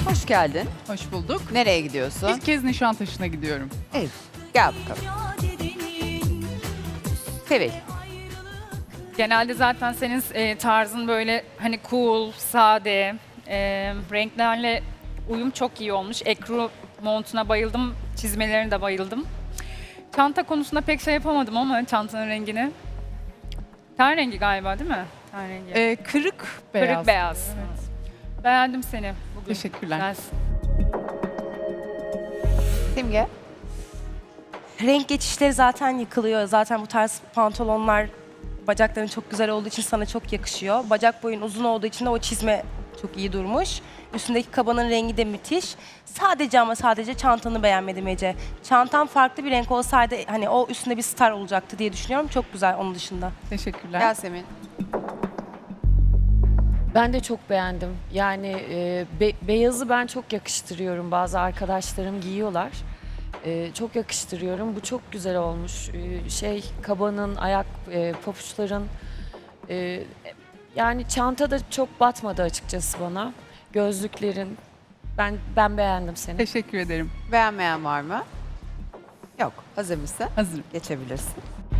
Hoş geldin. Hoş bulduk. Nereye gidiyorsun? İlk kez Nişantaşı'na gidiyorum. Evet. Gel bakalım. Sevil. Genelde zaten senin tarzın böyle hani cool, sade, renklerle uyum çok iyi olmuş. Ekru montuna bayıldım, çizmelerine de bayıldım. Çanta konusunda pek şey yapamadım ama çantanın rengini. Ten rengi galiba değil mi? Ten rengi. Kırık beyaz. Kırık beyaz. Evet. Beğendim seni bugün. Teşekkürler. Güzelsin. Simge. Renk geçişleri zaten yıkılıyor. Zaten bu tarz pantolonlar bacakların çok güzel olduğu için sana çok yakışıyor. Bacak boyun uzun olduğu için de o çizme çok iyi durmuş. Üstündeki kabanın rengi de müthiş. Sadece ama sadece çantanı beğenmedim Ece. Çantan farklı bir renk olsaydı hani o üstünde bir star olacaktı diye düşünüyorum. Çok güzel onun dışında. Teşekkürler. Yasemin. Ben de çok beğendim. Yani beyazı ben çok yakıştırıyorum. Bazı arkadaşlarım giyiyorlar. Çok yakıştırıyorum. Bu çok güzel olmuş. Kabanın, ayak papuçların yani çanta da çok batmadı açıkçası bana. Gözlüklerin ben beğendim seni. Teşekkür ederim. Beğenmeyen var mı? Yok. Hazır mısın? Hazırım. Geçebilirsin.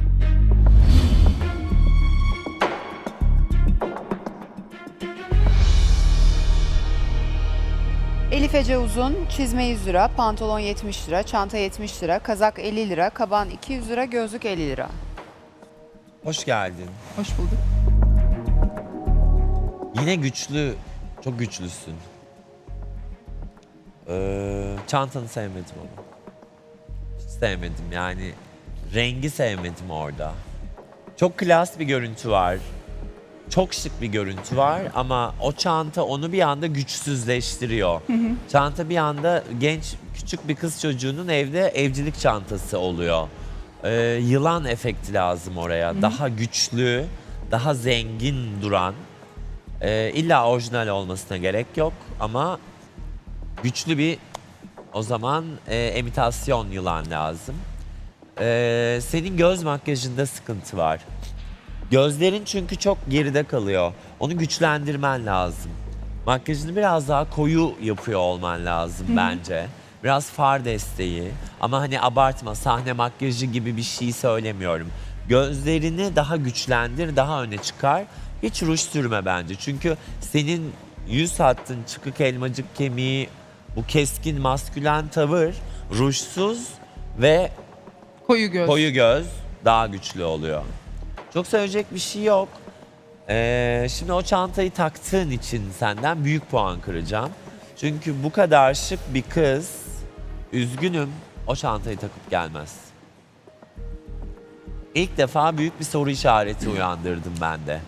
Elif Ece Uzun, çizme 100 lira, pantolon 70 lira, çanta 70 lira, kazak 50 lira, kaban 200 lira, gözlük 50 lira. Hoş geldin. Hoş bulduk. Yine güçlü, çok güçlüsün. Çantanı sevmedim ama. Hiç sevmedim yani. Rengi sevmedim orada. Çok klas bir görüntü var. Çok şık bir görüntü var ama o çanta onu bir anda güçsüzleştiriyor. Çanta bir anda genç, küçük bir kız çocuğunun evde evcilik çantası oluyor. Yılan efekti lazım oraya. Daha güçlü, daha zengin duran. İlla orijinal olmasına gerek yok ama güçlü bir o zaman imitasyon yılan lazım. Senin göz makyajında sıkıntı var. Gözlerin çünkü çok geride kalıyor. Onu güçlendirmen lazım. Makyajını biraz daha koyu yapıyor olman lazım bence. Biraz far desteği ama hani abartma, sahne makyajı gibi bir şey söylemiyorum. Gözlerini daha güçlendir, daha öne çıkar. Hiç ruj sürme bence. Çünkü senin yüz hattın, çıkık elmacık kemiği, bu keskin maskülen tavır rujsuz ve Koyu göz. koyu göz daha güçlü oluyor. Çok söyleyecek bir şey yok. Şimdi o çantayı taktığın için senden büyük puan kıracağım. Çünkü bu kadar şık bir kız, üzgünüm, o çantayı takıp gelmez. İlk defa büyük bir soru işareti uyandırdım ben de.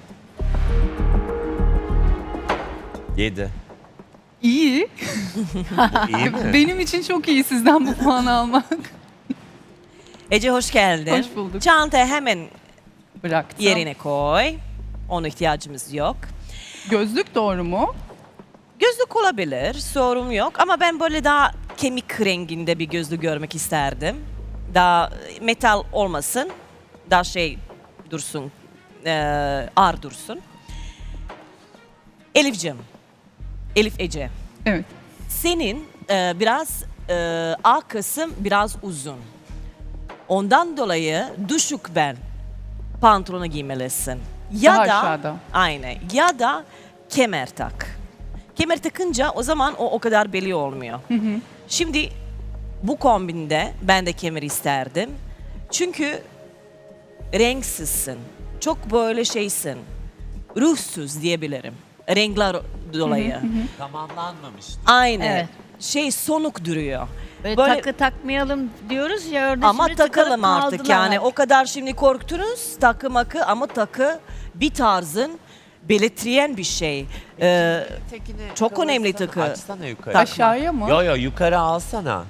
7. İyi. İyi mi? Benim için çok iyi sizden bu puanı almak. Ece hoş geldin. Hoş bulduk. Çantayı hemen Bıraktım. yerine koy. Ona ihtiyacımız yok. Gözlük doğru mu? Gözlük olabilir, sorun yok. Ama ben böyle daha kemik renginde bir gözlük görmek isterdim. Daha metal olmasın, daha şey dursun, ağır dursun. Elif'cim, Elif Ece, Evet. senin biraz A kısım biraz uzun. Ondan dolayı düşük ben pantolonu giymelisin. Ya Daha da aşağıda. aynen ya da kemer tak. Kemer takınca o zaman o kadar belli olmuyor. Şimdi bu kombinde ben de kemer isterdim. Çünkü renksizsin. Çok böyle şeysin. Ruhsuz diyebilirim. Renkler dolayı. Tamamlanmamış. Aynen. Evet. Şey sonuk duruyor. Böyle, Böyle- takı takmayalım diyoruz ya orada Ama şimdi takılıp takalım artık kaldılar. yani. O kadar şimdi korktunuz takı makı ama takı bir tarzın belirtiyen bir şey. Çok önemli takı. Açsana yukarı. Tak. Aşağıya mı? Yo yukarı alsana.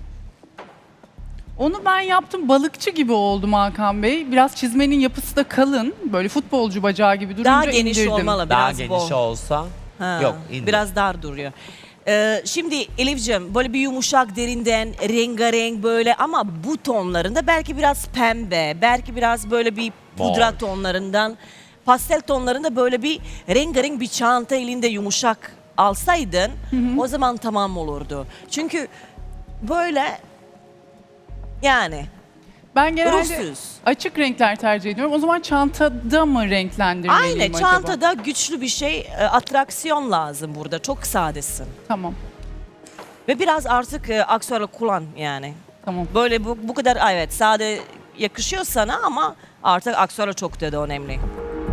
Onu ben yaptım. Balıkçı gibi oldum Hakan Bey. Biraz çizmenin yapısı da kalın. Böyle futbolcu bacağı gibi durunca Daha geniş indirdim. olmalı Daha biraz geniş bol. olsa. Ha, Yok, indir. biraz dar duruyor. Şimdi Elif'ciğim böyle bir yumuşak derinden rengarenk böyle ama bu tonlarında belki biraz pembe, belki biraz böyle bir pudra Mor. tonlarından, pastel tonlarında böyle bir rengarenk bir çanta elinde yumuşak alsaydın o zaman tamam olurdu. Çünkü böyle yani Ben genelde ruhsuz. açık renkler tercih ediyorum. O zaman çantada mı renklendirmeliyim Aynen acaba? çantada güçlü bir şey, atraksiyon lazım burada. Çok sadesin. Tamam, Ve biraz artık aksesuarı kullan yani. tamam. Böyle bu kadar evet sade yakışıyor sana ama artık aksesuarı çok da önemli.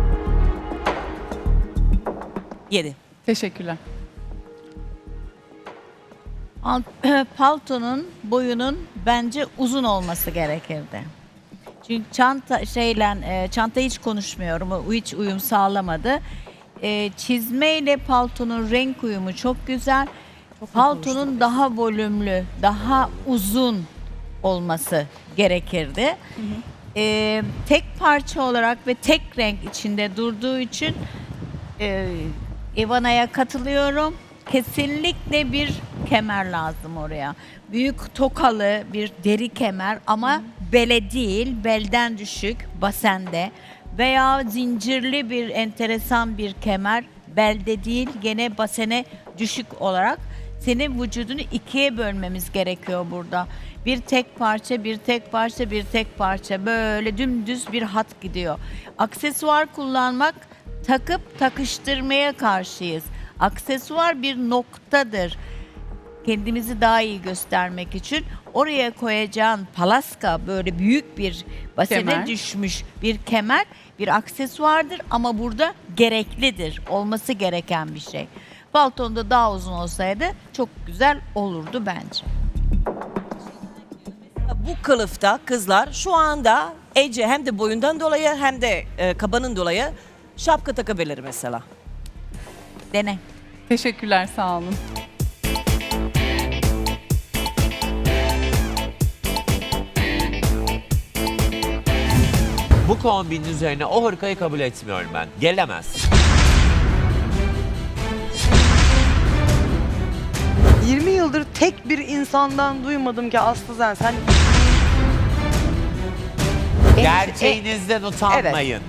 7. Teşekkürler. Paltonun boyunun bence uzun olması gerekirdi. Çünkü çanta hiç konuşmuyorum. O hiç uyum sağlamadı. Çizmeyle paltonun renk uyumu çok güzel. Paltonun daha volümlü, daha uzun olması gerekirdi. Tek parça olarak ve tek renk içinde durduğu için Ivana'ya katılıyorum. Kesinlikle bir kemer lazım oraya. Büyük tokalı bir deri kemer ama bele değil, belden düşük, basende. Veya zincirli bir enteresan bir kemer, belde değil, gene basene düşük olarak. Senin vücudunu ikiye bölmemiz gerekiyor burada. Bir tek parça, bir tek parça, bir tek parça. Böyle dümdüz bir hat gidiyor. Aksesuar kullanmak, takıp takıştırmaya karşıyız. Aksesuar bir noktadır. Kendimizi daha iyi göstermek için oraya koyacağın palaska, böyle büyük bir basene Kemer. düşmüş bir kemer bir aksesuardır ama burada gereklidir. Olması gereken bir şey. Paltonda daha uzun olsaydı çok güzel olurdu bence. Bu kılıfta kızlar şu anda Ece hem de boyundan dolayı hem de kabanın dolayı şapka takabilir mesela. Dene. Teşekkürler, sağ olun. Bu kombinin üzerine o hırkayı kabul etmiyorum ben. Gelemez. 20 yıldır tek bir insandan duymadım ki Aslı sen Gerçeğinizden utanmayın.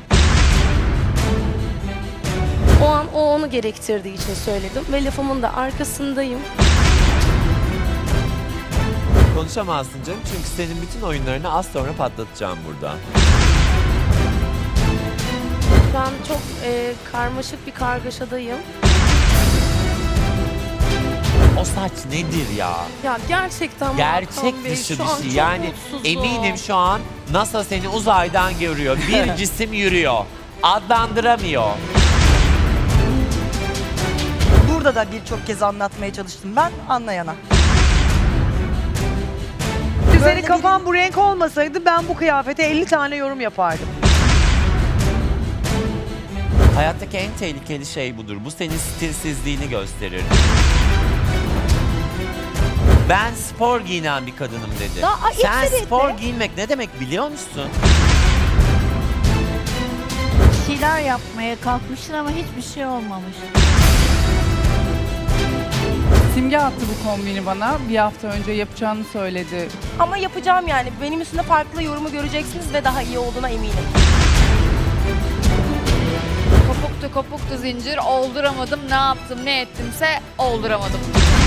O an o onu gerektirdiği için söyledim ve lafımın da arkasındayım. Konuşamazsın canım çünkü senin bütün oyunlarını az sonra patlatacağım burada. Şu an çok karmaşık bir kargaşadayım. O saç nedir ya? Ya gerçekten Gerçek Hakan Bey, dışı şu bir an şey. çok Yani mutsuzum. eminim şu an NASA seni uzaydan görüyor. Bir cisim yürüyor. Adlandıramıyor. burada da birçok kez anlatmaya çalıştım ben anlayana. Senin kafan bu renk olmasaydı ben bu kıyafete 50 tane yorum yapardım. Hayattaki en tehlikeli şey budur. Bu senin stilsizliğini gösterir. Ben spor giyinen bir kadınım dedi. Sen spor giyinmek ne demek biliyor musun? Bir şeyler yapmaya kalkmışsın ama hiçbir şey olmamış. Simge attı bu kombini bana. Bir hafta önce yapacağını söyledi. Ama yapacağım yani. Benim üstünde farklı yorumu göreceksiniz ve daha iyi olduğuna eminim. Kopuktu kopuktu zincir, olduramadım, ne yaptım ne ettimse olduramadım.